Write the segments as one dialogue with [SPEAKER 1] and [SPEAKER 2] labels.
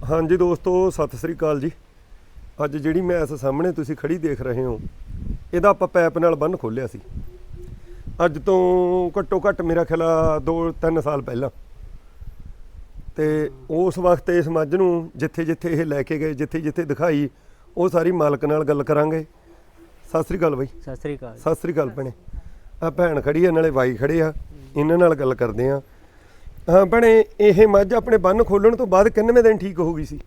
[SPEAKER 1] हाँ जी दोस्तों सत श्री अकाल जी। अज जिहड़ी मैस सामने तुसीं खड़ी देख रहे हो इहदा आपां पैप नाल बंन खोलिया सी अज तो घट्टो घट्ट मेरा ख्याल 2-3 साल पहला। तो उस वक्त इस मझ नूं जिथे जिथे ये लैके गए जिथे जिथे दिखाई वो सारी मालक नाल गल करांगे। सत श्री अकाल बई।
[SPEAKER 2] सत श्री अकाल।
[SPEAKER 1] सत श्री अकाल भैणे। आ भैन खड़ी है नाले बाई खड़े आ इन्हां नाल गल करदे आ। हाँ भैणे ये मझ अपने बंन खोलण तो बाद किन्नवें दिन ठीक हो गई सी?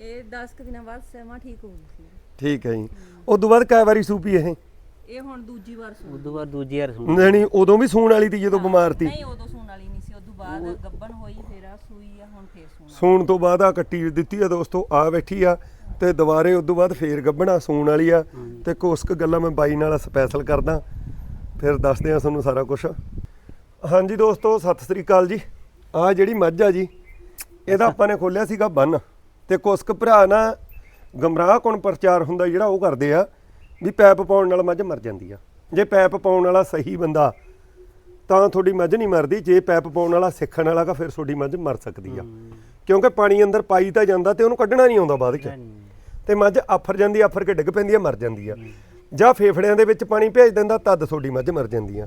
[SPEAKER 3] 10 ਦਿਨਾਂ ਬਾਅਦ ਸਮਾਂ ਠੀਕ ਹੋ ਗਈ ਸੀ।
[SPEAKER 1] ठीक है जी। उस तो बाद कै वारी सूपी
[SPEAKER 3] ਇਹ ਹੁਣ ਦੂਜੀ ਵਾਰ ਸੂਣ।
[SPEAKER 2] ਉਦੋਂ ਬਾਅਦ ਦੂਜੀ ਵਾਰ ਸੂਣ।
[SPEAKER 1] नहीं उदों भी सूण वाली थी ਜਦੋਂ ਬਿਮਾਰ ਤੀ?
[SPEAKER 3] ਨਹੀਂ ਉਦੋਂ ਸੂਣ ਵਾਲੀ ਨਹੀਂ ਸੀ, ਉਦੋਂ ਬਾਅਦ ਗੱਬਣ ਹੋਈ ਫਿਰ ਆ ਸੂਈ ਆ ਹੁਣ ਫੇਰ ਸੂਣ।
[SPEAKER 1] सूण तो बाद आ कट्टी ਦਿੱਤੀ आ दोस्तों आ बैठी आ ਤੇ ਦੁਬਾਰੇ ਉਦੋਂ ਬਾਅਦ ਫੇਰ ਗੱਬਣਾ ਸੂਣ ਵਾਲੀ ਆ ਤੇ ਕੁਛ ਕੁ ਗੱਲਾਂ ਮੈਂ ਬਾਈ ਨਾਲ ਸਪੈਸ਼ਲ ਕਰਦਾ ਫਿਰ ਦੱਸਦੇ ਆ ਤੁਹਾਨੂੰ ਸਾਰਾ ਕੁਝ। ਹਾਂਜੀ ਦੋਸਤੋ ਸਤਿ ਸ੍ਰੀ ਅਕਾਲ ਜੀ। ਆ ਜਿਹੜੀ ਮੱਝ ਆ ਜੀ ਇਹਦਾ ਆਪਾਂ ਨੇ ਖੋਲਿਆ ਸੀਗਾ ਬੰਨ ਤੇ ਕੁਛ ਕੁ ਭਰਾ ਨਾ ਗਮਰਾਹ ਕੋਣ ਪ੍ਰਚਾਰ ਹੁੰਦਾ ਜਿਹੜਾ ਉਹ ਕਰਦੇ ਆ ਵੀ ਪੈਪ ਪਾਉਣ ਨਾਲ ਮੱਝ ਮਰ ਜਾਂਦੀ ਆ। ਜੇ ਪੈਪ ਪਾਉਣ ਵਾਲਾ ਸਹੀ ਬੰਦਾ ਤਾਂ ਤੁਹਾਡੀ ਮੱਝ ਨਹੀਂ ਮਰਦੀ, ਜੇ ਪੈਪ ਪਾਉਣ ਵਾਲਾ ਸਿੱਖਣ ਵਾਲਾ ਤਾਂ ਫਿਰ ਤੁਹਾਡੀ ਮੱਝ ਮਰ ਸਕਦੀ ਆ ਕਿਉਂਕਿ ਪਾਣੀ ਅੰਦਰ ਪਾਈ ਤਾਂ ਜਾਂਦਾ ਤੇ ਉਹਨੂੰ ਕੱਢਣਾ ਨਹੀਂ ਆਉਂਦਾ ਬਾਅਦ 'ਚ ਤੇ ਮੱਝ ਆਫਰ ਜਾਂਦੀ, ਆਫਰ ਕੇ ਡਿੱਗ ਪੈਂਦੀ ਆ, ਮਰ ਜਾਂਦੀ ਆ। ਜਾਂ ਫੇਫੜਿਆਂ ਦੇ ਵਿੱਚ ਪਾਣੀ ਭੇਜ ਦਿੰਦਾ ਤਦ ਤੁਹਾਡੀ ਮੱਝ ਮਰ ਜਾਂਦੀ ਆ।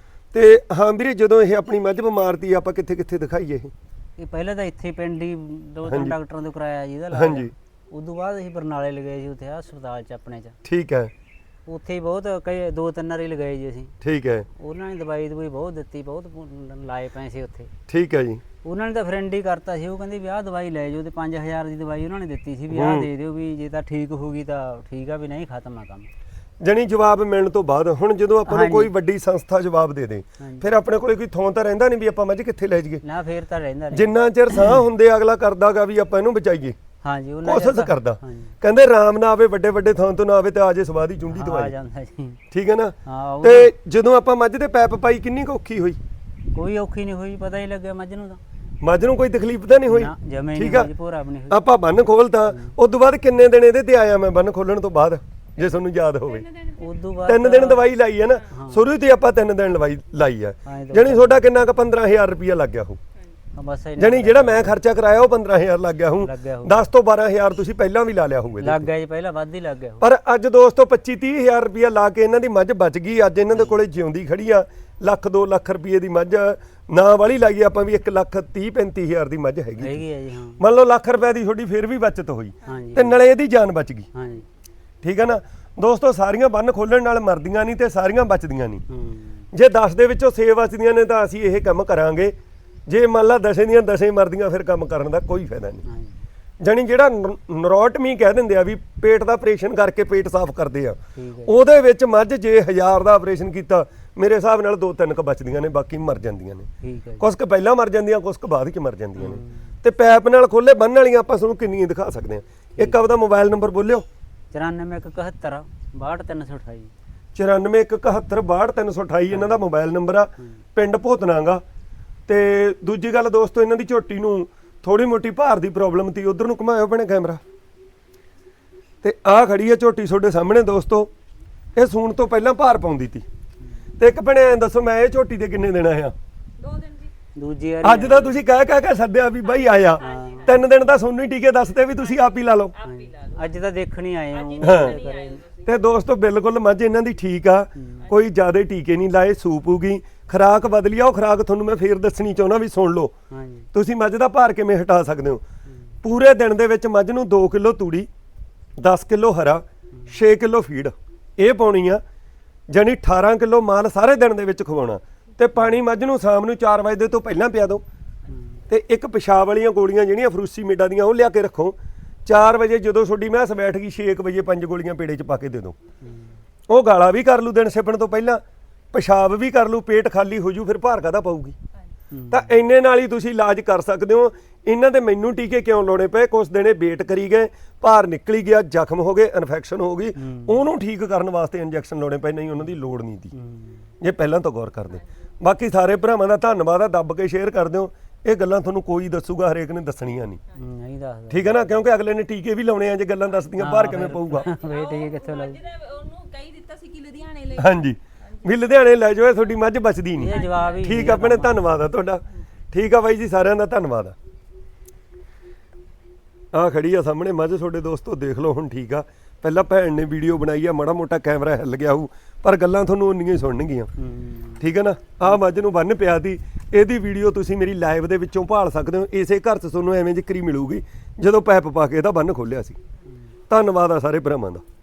[SPEAKER 1] ਤੇ ਹਾਂ ਵੀਰੇ ਜਦੋਂ ਇਹ ਆਪਣੀ ਮੱਝ ਬਿਮਾਰ ਤੀ ਆਪਾਂ ਕਿੱਥੇ ਕਿੱਥੇ ਦਿਖਾਈਏ?
[SPEAKER 2] ਇਹ ਪਹਿਲਾਂ ਤਾਂ ਇੱਥੇ ਪਿੰਡ ਹੀ 2-3 ਡਾਕਟਰਾਂ ਤੋਂ ਕਰਾਇਆ ਜੀ ਇਹਦਾ ਇਲਾਜ।
[SPEAKER 1] ਹਾਂਜੀ।
[SPEAKER 2] ਉਦੋਂ ਬਾਅਦ ਅਸੀਂ ਬਰਨਾਲੇ ਲਗਾਏ ਜੀ ਉੱਥੇ ਹਸਪਤਾਲ 'ਚ ਆਪਣੇ 'ਚ।
[SPEAKER 1] ਠੀਕ ਹੈ।
[SPEAKER 2] ਉੱਥੇ ਹੀ ਬਹੁਤ ਕਈ 2-3 ਵਾਰੀ ਲਗਾਏ ਜੀ ਅਸੀਂ।
[SPEAKER 1] ਠੀਕ ਹੈ।
[SPEAKER 2] ਉਹਨਾਂ ਨੇ ਦਵਾਈ ਬਹੁਤ ਦਿੱਤੀ, ਬਹੁਤ ਲਾਏ ਪੈਸੇ ਉੱਥੇ।
[SPEAKER 1] ਠੀਕ ਹੈ ਜੀ।
[SPEAKER 2] ਉਹਨਾਂ ਨੇ ਤਾਂ ਫਰੈਂਡ ਹੀ ਕਰਤਾ ਸੀ, ਉਹ ਕਹਿੰਦੇ ਵੀ ਆਹ ਦਵਾਈ ਲੈ ਜਾਓ ਤੇ 5000 ਦੀ ਦਵਾਈ ਉਹਨਾਂ ਨੇ ਦਿੱਤੀ ਸੀ ਵੀ ਆਹ ਦੇ ਦਿਓ ਵੀ ਜੇ ਤਾਂ ਠੀਕ ਹੋ ਗਈ ਤਾਂ ਠੀਕ ਆ, ਵੀ ਨਹੀਂ ਖਤਮ ਆ ਕੰਮ।
[SPEAKER 1] ਜਣੀ ਜਵਾਬ ਮਿਲਣ ਤੋਂ ਬਾਅਦ ਹੁਣ ਜਦੋਂ ਆਪਾਂ ਨੂੰ ਕੋਈ ਵੱਡੀ ਸੰਸਥਾ ਜਵਾਬ ਦੇ ਦੇ ਫਿਰ ਆਪਣੇ ਕੋਲੇ ਕੋਈ ਥਾਂ ਤਾਂ ਰਹਿੰਦਾ ਨਹੀਂ ਵੀ ਆਪਾਂ ਮੱਝ ਕਿੱਥੇ ਲੈ ਜਾਈਏ
[SPEAKER 2] ਨਾ, ਫੇਰ ਤਾਂ ਰਹਿੰਦਾ ਨਹੀਂ।
[SPEAKER 1] ਜਿੰਨਾ ਚਿਰ ਸਾਹ ਹੁੰਦੇ ਅਗਲਾ ਕਰਦਾਗਾ ਵੀ ਆਪਾਂ ਇਹਨੂੰ ਬਚਾਈਏ।
[SPEAKER 2] ਹਾਂਜੀ
[SPEAKER 1] ਕੋਸ਼ਿਸ਼ ਕਰਦਾ। ਕਹਿੰਦੇ ਰਾਮ ਨਾ ਆਵੇ ਵੱਡੇ ਵੱਡੇ ਥਾਂ ਤੋਂ ਨਾ ਆਵੇ ਤੇ ਆਜੇ ਸਵਾਦੀ ਚੁੰਡੀ
[SPEAKER 2] ਆ
[SPEAKER 1] ਦਵਾਈ।
[SPEAKER 2] ਜਾਂਦਾ ਜੀ।
[SPEAKER 1] ਠੀਕ ਹੈ ਨਾ।
[SPEAKER 2] ਹਾਂ।
[SPEAKER 1] ਤੇ ਜਦੋਂ ਆਪਾਂ ਮੱਝ ਦੇ ਪੈਪ ਪਾਈ ਕਿੰਨੀ ਕੁ ਔਖੀ ਹੋਈ?
[SPEAKER 2] ਕੋਈ ਔਖੀ ਨਹੀਂ ਹੋਈ, ਪਤਾ ਹੀ ਲੱਗਿਆ ਮੱਝ ਨੂੰ ਤਾਂ।
[SPEAKER 1] ਮੱਝ ਨੂੰ ਕੋਈ ਤਕਲੀਫ ਤਾਂ ਨਹੀਂ ਹੋਈ?
[SPEAKER 2] ਠੀਕ ਆ। ਪੂਰਾ ਵੀ ਨਹੀਂ ਹੋਈ।
[SPEAKER 1] ਆਪਾਂ ਬੰਨ ਖੋਲਤਾ ਉਸ ਤੋਂ ਬਾਅਦ ਕਿੰਨੇ ਦਿਨ ਇਹਦੇ ਤੇ ਆਇਆ ਮੈਂ ਬੰਨ ਖੋਲਣ ਤੋਂ ਬਾਅਦ ਜੇ ਤੁਹਾਨੂੰ ਯਾਦ ਹੋਵੇ?
[SPEAKER 2] ਉਦੋਂ ਬਾਅਦ
[SPEAKER 1] 3 ਦਿਨ ਦਵਾਈ ਲਾਈ ਹੈ ਨਾ ਸ਼ੁਰੂ ਤੇ ਆਪਾਂ 3 ਦਿਨ ਦਵਾਈ ਲਾਈ ਆ। ਜਣੀ ਤੁਹਾਡਾ ਕਿੰਨਾ ਕ 15000 ਰੁਪਇਆ ਲੱਗ ਗਿਆ ਹੋ?
[SPEAKER 2] ਬਸ
[SPEAKER 1] ਜਣੀ ਜਿਹੜਾ ਮੈਂ ਖਰਚਾ ਕਰਾਇਆ ਉਹ 15000 ਲੱਗ ਗਿਆ ਹੂੰ। 10 ਤੋਂ 12000 ਤੁਸੀਂ ਪਹਿਲਾਂ ਵੀ ਲਾ ਲਿਆ ਹੋਊਗਾ।
[SPEAKER 2] ਲੱਗ ਗਿਆ ਜੀ, ਪਹਿਲਾਂ ਵੱਧ ਹੀ ਲੱਗ ਗਿਆ।
[SPEAKER 1] ਪਰ ਅੱਜ ਦੋਸਤੋ 25-30 ਰੁਪਇਆ ਲਾ ਕੇ ਇਹਨਾਂ ਦੀ ਮੱਝ ਬਚ ਗਈ। ਅੱਜ ਇਹਨਾਂ ਦੇ ਕੋਲੇ ਜਿਉਂਦੀ ਖੜੀ ਆ। 1-2 ਲੱਖ ਰੁਪਏ ਦੀ ਮੱਝ ਨਾ ਵਾਲੀ ਲਾਈਏ ਆਪਾਂ ਵੀ 1,30,35,000 ਦੀ ਮੱਝ ਹੈਗੀ
[SPEAKER 2] ਹੈ ਜੀ। ਹਾਂ
[SPEAKER 1] ਮੰਨ ਲਓ ਲੱਖ ਰੁਪਏ ਦੀ ਤੁਹਾਡੀ ਫਿਰ ਵੀ ਬਚਤ ਹੋਈ
[SPEAKER 2] ਹਾਂਜੀ।
[SPEAKER 1] ਤੇ ਨਾਲੇ ਇਹਦੀ ਜਾਨ ਬਚ ਗਈ।
[SPEAKER 2] ਹਾਂਜੀ
[SPEAKER 1] ਠੀਕ ਹੈ ਨਾ ਦੋਸਤੋ। ਸਾਰੀਆਂ ਬੰਨ ਖੋਲਣ ਨਾਲ ਮਰਦੀਆਂ ਨਹੀਂ ਤੇ ਸਾਰੀਆਂ ਬਚਦੀਆਂ ਨਹੀਂ। ਜੇ 10 ਦੇ ਵਿੱਚੋਂ 6 ਬਚਦੀਆਂ ਨੇ ਤਾਂ ਅਸੀਂ ਇਹ ਕੰਮ ਕਰਾਂਗੇ। ਜੇ ਮੰਨ ਲਾ 10 ਦੀਆਂ 10 ਮਰਦੀਆਂ ਫਿਰ ਕੰਮ ਕਰਨ ਦਾ ਕੋਈ ਫਾਇਦਾ ਨਹੀਂ। ਜਾਣੀ ਜਿਹੜਾ ਨਰੋਟਮੀ ਕਹਿ ਦਿੰਦੇ ਆ ਵੀ ਪੇਟ ਦਾ ਆਪਰੇਸ਼ਨ ਕਰਕੇ ਪੇਟ ਸਾਫ਼ ਕਰਦੇ ਆ, ਉਹਦੇ ਵਿੱਚ ਮੱਝ ਜੇ 1000 ਦਾ ਆਪਰੇਸ਼ਨ ਕੀਤਾ ਮੇਰੇ ਹਿਸਾਬ ਨਾਲ 2-3 ਕ ਬਚਦੀਆਂ ਨੇ, ਬਾਕੀ ਮਰ ਜਾਂਦੀਆਂ ਨੇ। ਕੁਛ ਕ ਪਹਿਲਾਂ ਮਰ ਜਾਂਦੀਆਂ, ਕੁਛ ਕ ਬਾਅਦ ਚ ਮਰ ਜਾਂਦੀਆਂ ਨੇ। ਤੇ ਪੈਪ ਨਾਲ ਖੋਲੇ ਬੰਨ ਵਾਲੀਆਂ ਆਪਾਂ ਤੁਹਾਨੂੰ ਕਿੰਨੀਆਂ ਦਿਖਾ ਸਕਦੇ ਆ। ਇੱਕ ਆਪਦਾ ਮੋਬਾਈਲ ਨੰਬਰ ਬੋਲਿਓ।
[SPEAKER 2] 94 171 62
[SPEAKER 1] 94 171 62 ਇਹਨਾਂ ਦਾ ਮੋਬਾਈਲ ਨੰਬਰ ਆ। ਪਿੰਡ ਭੋਤਨਾਗਾ। ਤੇ ਦੂਜੀ ਗੱਲ ਦੋਸਤੋ ਇਹਨਾਂ ਦੀ ਝੋਟੀ ਨੂੰ ਥੋੜੀ ਮੋਟੀ ਭਾਰ ਦੀ ਪ੍ਰੋਬਲਮ ਤੀ। ਉਧਰ ਨੂੰ ਘੁਮਾਇਓ ਭੈਣੇ ਕੈਮਰਾ। ਤੇ ਆਹ ਖੜੀ ਆ ਝੋਟੀ ਤੁਹਾਡੇ ਸਾਹਮਣੇ ਦੋਸਤੋ। ਇਹ ਸੂਣ ਤੋਂ ਪਹਿਲਾਂ ਭਾਰ ਪਾਉਂਦੀ ਤੀ। ਤੇ ਇੱਕ ਭੈਣੇ ਐਂ ਦੱਸੋ ਮੈਂ ਇਹ ਝੋਟੀ ਦੇ ਕਿੰਨੇ ਦੇਣਾ ਆ?
[SPEAKER 3] 2 ਦਿਨ ਜੀ।
[SPEAKER 2] ਦੂਜੀ
[SPEAKER 1] ਅੱਜ ਤਾਂ ਤੁਸੀਂ ਕਹਿ ਕੇ ਸੱਦਿਆ ਵੀ ਬਾਈ ਆਇਆ। 3 ਦਿਨ ਤਾਂ ਸੋਨੂੰ ਹੀ ਟੀਕੇ ਦੱਸਦੇ ਵੀ ਤੁਸੀਂ ਆਪ ਹੀ ਲਾ ਲਓ।
[SPEAKER 2] ਅੱਜ ਤਾਂ ਦੇਖਣੀ ਆਏ ਹਾਂ।
[SPEAKER 1] ਤੇ ਦੋਸਤੋ ਬਿਲਕੁਲ ਮੱਝ ਇਹਨਾਂ ਦੀ ਠੀਕ ਆ, ਕੋਈ ਜ਼ਿਆਦਾ ਟੀਕੇ ਨਹੀਂ ਲਾਏ। ਸੂਪੂਗੀ ਖੁਰਾਕ ਬਦਲੀ ਆ। ਉਹ ਖੁਰਾਕ ਤੁਹਾਨੂੰ ਮੈਂ ਫੇਰ ਦੱਸਣੀ ਚਾਹੁੰਦਾ ਵੀ ਸੁਣ ਲਓ। ਤੁਸੀਂ ਮੱਝ ਦਾ ਭਾਰ ਕਿਵੇਂ ਹਟਾ ਸਕਦੇ ਹੋ। ਪੂਰੇ ਦਿਨ ਦੇ ਵਿੱਚ ਮੱਝ ਨੂੰ 2 ਕਿਲੋ ਤੂੜੀ, 10 ਕਿਲੋ ਹਰਾ, 6 ਕਿਲੋ ਫੀਡ ਇਹ ਪਾਉਣੀ ਆ। ਜਾਨੀ 18 ਕਿਲੋ ਮਾਲ ਸਾਰੇ ਦਿਨ ਦੇ ਵਿੱਚ ਖਵਾਉਣਾ। ਤੇ ਪਾਣੀ ਮੱਝ ਨੂੰ ਸ਼ਾਮ ਨੂੰ 4 ਵਜੇ ਤੋਂ ਪਹਿਲਾਂ ਪਿਆ ਦਿਓ। ਤੇ ਇੱਕ ਪਿਸ਼ਾਬ ਵਾਲੀਆਂ ਗੋਲੀਆਂ ਜਿਹੜੀਆਂ ਫਰੂਸੀ ਮੀਡਾ ਦੀਆਂ ਉਹ ਲਿਆ ਕੇ ਰੱਖੋ। 4 ਵਜੇ ਜਦੋਂ ਤੁਹਾਡੀ ਮੈਂਸ ਬੈਠ ਗਈ 6 ਵਜੇ 5 ਗੋਲੀਆਂ ਪੇੜੇ 'ਚ ਪਾ ਕੇ ਦੇ ਦਿਓ। ਉਹ ਗਾਲਾ ਵੀ ਕਰ ਲੂ ਦਿਨ ਛਿਪਣ ਤੋਂ ਪਹਿਲਾਂ, ਪਿਸ਼ਾਬ ਵੀ ਕਰ ਲੂ, ਪੇਟ ਖਾਲੀ ਹੋ ਜੂ, ਫਿਰ ਭਾਰ ਕਾਹਦਾ ਪਾਊਗੀ। ਤਾਂ ਇੰਨੇ ਨਾਲ ਹੀ ਤੁਸੀਂ ਇਲਾਜ ਕਰ ਸਕਦੇ ਹੋ। ਇਹਨਾਂ ਦੇ ਮੈਨੂੰ ਟੀਕੇ ਕਿਉਂ ਲਾਉਣੇ ਪਏ? ਕੁਛ ਦਿਨੇ ਵੇਟ ਕਰੀ ਗਏ, ਭਾਰ ਨਿਕਲੀ ਗਿਆ, ਜ਼ਖਮ ਹੋ ਗਏ, ਇਨਫੈਕਸ਼ਨ ਹੋ ਗਈ, ਉਹਨੂੰ ਠੀਕ ਕਰਨ ਵਾਸਤੇ ਇੰਜੈਕਸ਼ਨ ਲਾਉਣੇ ਪਏ। ਨਹੀਂ ਉਹਨਾਂ ਦੀ ਲੋੜ ਨਹੀਂ ਤੀ ਜੇ ਪਹਿਲਾਂ ਤੋਂ ਗੌਰ ਕਰਦੇ। ਬਾਕੀ ਸਾਰੇ ਭਰਾਵਾਂ ਦਾ ਧੰਨਵਾਦ ਆ। ਦੱਬ ਕੇ ਸ਼ੇਅਰ ਕਰ ਦਿਓ। ਇਹ ਗੱਲਾਂ ਤੁਹਾਨੂੰ ਕੋਈ ਦੱਸੂਗਾ, ਹਰੇਕ ਨੇ ਦੱਸਣੀਆਂ ਨਹੀਂ। ਠੀਕ ਹੈ ਨਾ, ਕਿਉਂਕਿ ਅਗਲੇ ਨੇ ਟੀਕੇ ਵੀ ਲਾਉਣੇ ਆ। ਜੇ ਗੱਲਾਂ ਦੱਸਦੀਆਂ ਭਾਰ ਕਿਵੇਂ ਪਊਗਾ?
[SPEAKER 2] ਕਿੱਥੋਂ ਲਾਉ?
[SPEAKER 3] ਉਹਨੂੰ ਕਹੀ ਦਿੱਤਾ ਸੀ ਕਿ ਲੁਧਿਆਣੇ ਲੈ।
[SPEAKER 1] ਹਾਂਜੀ ਵੀ ਲੁਧਿਆਣੇ ਲੈ ਜਾਓ, ਤੁਹਾਡੀ ਮੱਝ ਬਚਦੀ ਨਹੀਂ। ਠੀਕ ਆ ਭੈਣੇ, ਧੰਨਵਾਦ ਆ ਤੁਹਾਡਾ। ਠੀਕ ਆ ਬਾਈ ਜੀ, ਸਾਰਿਆਂ ਦਾ ਧੰਨਵਾਦ ਆ। ਆ ਖੜੀ ਆ ਸਾਹਮਣੇ ਮੱਝ ਤੁਹਾਡੇ ਦੋਸਤੋ ਦੇਖ ਲਓ ਹੁਣ ਠੀਕ ਆ। ਪਹਿਲਾਂ ਭੈਣ ਨੇ ਵੀਡੀਓ ਬਣਾਈ ਆ, ਮਾੜਾ ਮੋਟਾ ਕੈਮਰਾ ਹਿੱਲ ਗਿਆ ਹੋਊ ਪਰ ਗੱਲਾਂ ਤੁਹਾਨੂੰ ਉਨੀਆਂ ਹੀ ਸੁਣਨਗੀਆਂ। ਠੀਕ ਹੈ ਨਾ। ਆ ਮੱਝ ਨੂੰ ਬੰਨ ਪਿਆ ਤੀ, ਇਹਦੀ ਵੀਡੀਓ ਤੁਸੀਂ ਮੇਰੀ ਲਾਈਵ ਦੇ ਵਿੱਚੋਂ ਭਾਲ ਸਕਦੇ ਹੋ। ਇਸੇ ਘਰ 'ਚ ਤੁਹਾਨੂੰ ਐਵੇਂ ਜ਼ਿਕਰੀ ਮਿਲੂਗੀ ਜਦੋਂ ਪੈਪ ਪਾ ਕੇ ਇਹਦਾ ਬੰਨ ਖੋਲਿਆ ਸੀ। ਧੰਨਵਾਦ ਆ ਸਾਰੇ ਭਰਾਵਾਂ ਦਾ।